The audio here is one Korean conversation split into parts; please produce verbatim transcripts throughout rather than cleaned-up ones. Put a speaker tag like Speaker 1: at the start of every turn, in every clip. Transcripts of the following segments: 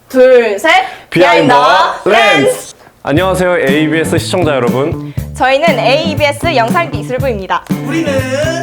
Speaker 1: 둘, 셋!
Speaker 2: 비하인드
Speaker 1: 렌즈!
Speaker 2: 렌즈! 안녕하세요 에이비에스 시청자 여러분.
Speaker 1: 저희는 에이비에스 영상기술부입니다.
Speaker 3: 우리는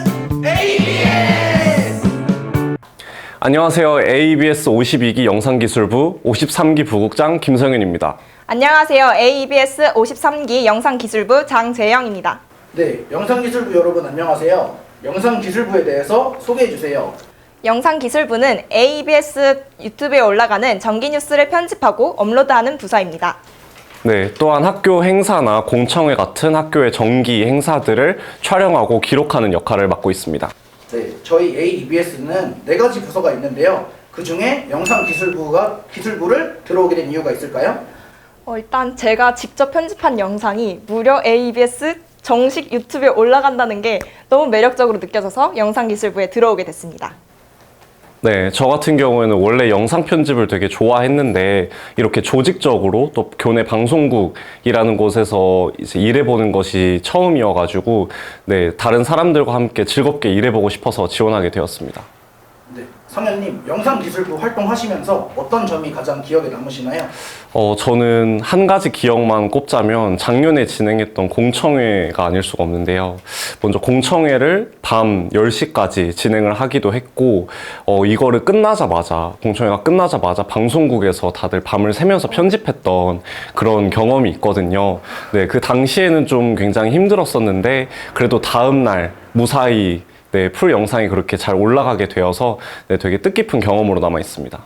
Speaker 3: 에이비에스!
Speaker 2: 안녕하세요 에이비에스 오십이 기 영상기술부 오십삼 기 부국장 김성윤입니다.
Speaker 1: 안녕하세요. 에이비에스 오십삼 기 영상기술부 장재영입니다.
Speaker 3: 네, 영상기술부 여러분 안녕하세요. 영상기술부에 대해서 소개해주세요.
Speaker 1: 영상기술부는 에이비에스 유튜브에 올라가는 정기 뉴스를 편집하고 업로드하는 부서입니다.
Speaker 2: 네, 또한 학교 행사나 공청회 같은 학교의 정기 행사들을 촬영하고 기록하는 역할을 맡고 있습니다.
Speaker 3: 네, 저희 에이비에스는 네 가지 부서가 있는데요. 그 중에 영상기술부가 기술부를 들어오게 된 이유가 있을까요?
Speaker 1: 어, 일단 제가 직접 편집한 영상이 무려 에이비에스 정식 유튜브에 올라간다는 게 너무 매력적으로 느껴져서 영상기술부에 들어오게 됐습니다.
Speaker 2: 네, 저 같은 경우에는 원래 영상 편집을 되게 좋아했는데 이렇게 조직적으로 또 교내 방송국이라는 곳에서 이제 일해보는 것이 처음이어가지고 네, 다른 사람들과 함께 즐겁게 일해보고 싶어서 지원하게 되었습니다.
Speaker 3: 네, 성현님, 영상기술부 활동하시면서 어떤 점이 가장 기억에 남으시나요?
Speaker 2: 어, 저는 한 가지 기억만 꼽자면 작년에 진행했던 공청회가 아닐 수가 없는데요. 먼저 공청회를 밤 열 시까지 진행을 하기도 했고, 어, 이거를 끝나자마자, 공청회가 끝나자마자 방송국에서 다들 밤을 새면서 편집했던 그런 경험이 있거든요. 네, 그 당시에는 좀 굉장히 힘들었었는데, 그래도 다음날 무사히 네, 풀 영상이 그렇게 잘 올라가게 되어서 네, 되게 뜻깊은 경험으로 남아 있습니다.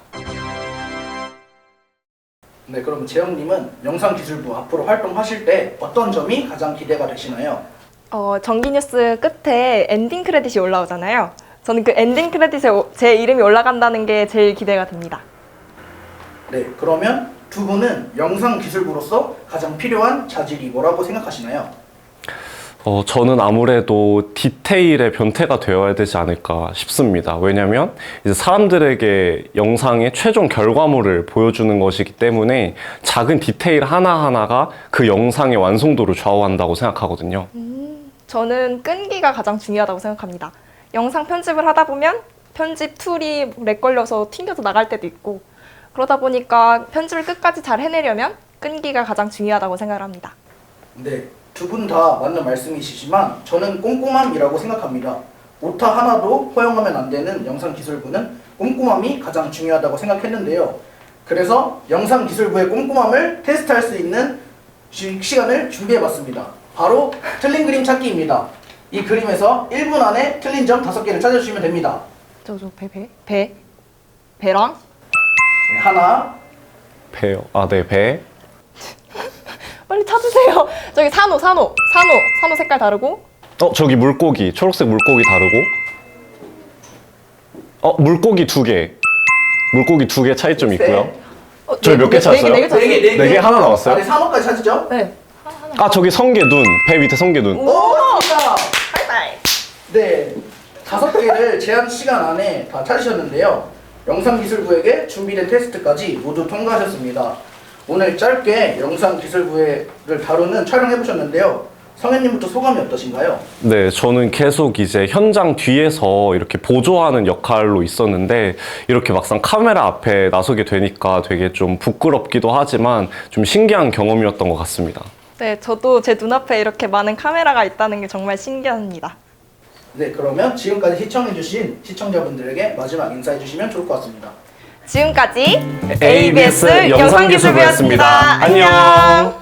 Speaker 3: 네, 그럼 재영님은 영상기술부 앞으로 활동하실 때 어떤 점이 가장 기대가 되시나요?
Speaker 1: 어, 정기 뉴스 끝에 엔딩 크레딧이 올라오잖아요. 저는 그 엔딩 크레딧에 오- 제 이름이 올라간다는 게 제일 기대가 됩니다.
Speaker 3: 네, 그러면 두 분은 영상기술부로서 가장 필요한 자질이 뭐라고 생각하시나요?
Speaker 2: 어, 저는 아무래도 디테일의 변태가 되어야 되지 않을까 싶습니다. 왜냐면 이제 사람들에게 영상의 최종 결과물을 보여주는 것이기 때문에 작은 디테일 하나하나가 그 영상의 완성도를 좌우한다고 생각하거든요.
Speaker 1: 저는 끈기가 가장 중요하다고 생각합니다. 영상 편집을 하다 보면 편집 툴이 렉 걸려서 튕겨서 나갈 때도 있고 그러다 보니까 편집을 끝까지 잘 해내려면 끈기가 가장 중요하다고 생각을 합니다.
Speaker 3: 네, 두 분 다 맞는 말씀이시지만 저는 꼼꼼함이라고 생각합니다. 오타 하나도 허용하면 안 되는 영상기술부는 꼼꼼함이 가장 중요하다고 생각했는데요. 그래서 영상기술부의 꼼꼼함을 테스트할 수 있는 시, 시간을 준비해봤습니다. 바로 틀린 그림 찾기입니다. 이 그림에서 일 분 안에 틀린 점 다섯 개를 찾아주시면 됩니다.
Speaker 1: 저, 저, 배, 배? 배? 배랑?
Speaker 3: 네, 하나,
Speaker 2: 배요. 아, 네, 배.
Speaker 1: 빨리 찾으세요. 저기 산호, 산호, 산호, 산호 색깔 다르고.
Speaker 2: 어, 저기 물고기. 초록색 물고기 다르고. 어, 물고기 두 개. 물고기 두 개 차이점 있고요.
Speaker 1: 어,
Speaker 2: 저희 몇 개 찾았어요?
Speaker 1: 네 개, 네 개 찾았어요.
Speaker 3: 네 개,
Speaker 2: 네 개 하나 나왔어요?
Speaker 3: 아, 네, 산호까지 찾으죠?
Speaker 1: 네.
Speaker 2: 아, 저기 성게 눈. 배 밑에 성게 눈.
Speaker 3: 오, 맞습니다.
Speaker 1: 하이파이.
Speaker 3: 네, 다섯 개를 제한 시간 안에 다 찾으셨는데요. 영상기술부에게 준비된 테스트까지 모두 통과하셨습니다. 오늘 짧게 영상기술부를 다루는 촬영해보셨는데요. 성현님부터 소감이 어떠신가요?
Speaker 2: 네, 저는 계속 이제 현장 뒤에서 이렇게 보조하는 역할로 있었는데 이렇게 막상 카메라 앞에 나서게 되니까 되게 좀 부끄럽기도 하지만 좀 신기한 경험이었던 것 같습니다.
Speaker 1: 네, 저도 제 눈앞에 이렇게 많은 카메라가 있다는 게 정말 신기합니다.
Speaker 3: 네, 그러면 지금까지 시청해주신 시청자분들에게 마지막 인사해주시면 좋을 것 같습니다.
Speaker 1: 지금까지
Speaker 2: 에이비에스 영상기술부였습니다. 안녕.